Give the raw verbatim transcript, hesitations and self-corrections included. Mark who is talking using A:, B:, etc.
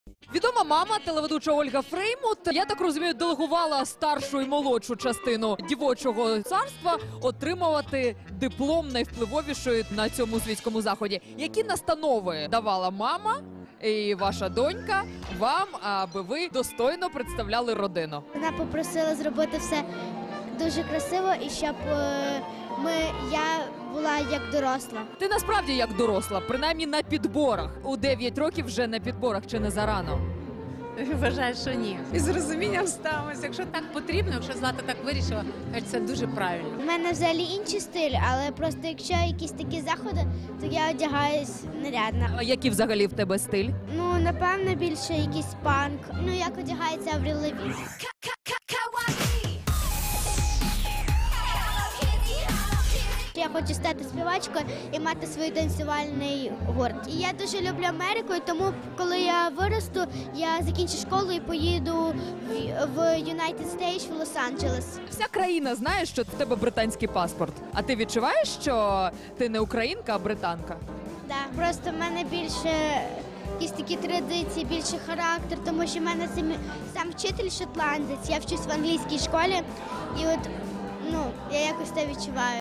A: Відома мама, телеведуча Ольга Фреймут, я так розумію, делегувала старшу і молодшу частину дівочого царства отримувати диплом найвпливовішої на цьому світському заході. Які настанови давала мама і ваша донька вам, аби ви достойно представляли родину?
B: Вона попросила зробити все дуже красиво і щоб е, ми, я була як доросла.
A: Ти насправді як доросла, принаймні на підборах. У дев'ять років вже на підборах, чи не зарано?
C: Вважаю, що ні. І з розумінням ставимося. Якщо так потрібно, якщо Злата так вирішила, каже, це дуже правильно.
B: У мене взагалі інший стиль, але просто якщо якісь такі заходи, то я одягаюсь нарядно.
A: А який взагалі в тебе стиль?
B: Ну, напевно, більше якийсь панк. Ну, як одягається Аврил Лавін. Я хочу стати співачкою і мати свій танцювальний гурт. І я дуже люблю Америку, і тому коли я виросту, я закінчу школу і поїду в- в United States, в Лос-Анджелес.
A: Вся країна знає, що в тебе британський паспорт. А ти відчуваєш, що ти не українка, а британка?
B: Да. Просто в мене більше якісь такі традиції, більше характер, тому що в мене сам, сам вчитель шотландець, я вчусь в англійській школі, і от ну, я якось це відчуваю.